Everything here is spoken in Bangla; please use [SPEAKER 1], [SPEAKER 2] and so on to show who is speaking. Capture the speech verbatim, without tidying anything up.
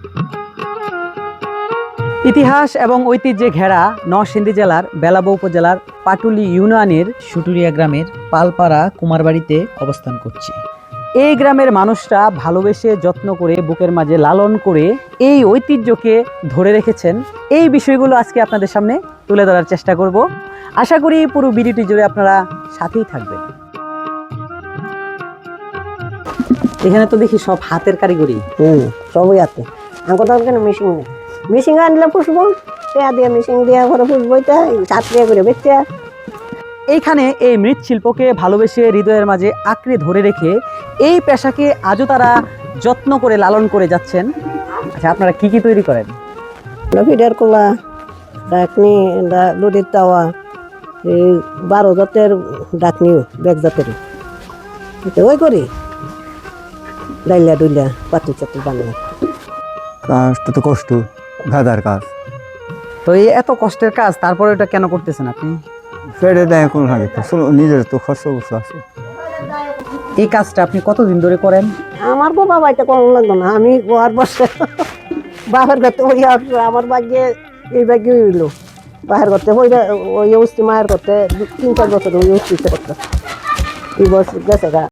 [SPEAKER 1] ইতিহাস এবং ঐতিহ্যে ঘেরা নরসিংদী জেলার বেলাবো উপজেলার পাটুলি ইউনিয়নের সুটুরিয়া গ্রামের পালপাড়া কুমারবাড়িতে অবস্থান করছি। এই গ্রামের মানুষরা ভালোবেসে যত্ন করে বুকের মাঝে লালন করে এই ঐতিহ্যকে ধরে রেখেছেন। এই বিষয়গুলো আজকে আপনাদের সামনে তুলে ধরার চেষ্টা করব। আশা করি পুরো ভিডিওটি জুড়ে আপনারা সাথেই থাকবেন। এখানে তো দেখি সব হাতের কারিগরি।
[SPEAKER 2] হুম সবই আছে। আমার তো কেন মেশিন নেই, মেশিন আনলে পুষবো, পেয়া দিয়ে মেশিন দিয়ে ঘরে পুষবো, এটা সাত টাকা করে বেচতে।
[SPEAKER 1] এইখানে এই মৃৎশিল্পকে ভালোবেসে হৃদয়ের মাঝে আঁকড়ে ধরে রেখে এই পেশাকে আজও তারা যত্ন করে লালন করে যাচ্ছেন। আচ্ছা, আপনারা কি কি তৈরি করেন?
[SPEAKER 2] ফিডার কোলা, ডাকনি, লুডির তাওয়া, এই বারো জাতের ডাকনি, বেগ জাতের ওই করি, ডাইলা ডুইলা পাতি চাতি বানাই।
[SPEAKER 3] কাজটা তো কষ্ট, গাদার কাজ।
[SPEAKER 1] তো এই এত কষ্টের কাজ, তারপরে এটা কেন করতেছেন আপনি?
[SPEAKER 3] ফেরে দেয় কোন লাগে, নিজের তো খরচ অবস্থা আছে।
[SPEAKER 1] এই কাজটা আপনি কতদিন ধরে করেন?
[SPEAKER 2] আমার বাবা বাড়িতে কম লাগতো না, আমি আর বসে বাপের করতে ওই আমার বাগ্যে এই বাগ্যে হইলো বাহের করতে ওই ওই অবস্থি মায়ের করতে তিন চার বছর ওই অবস্থিতে করতে এই বছর গেছে গা।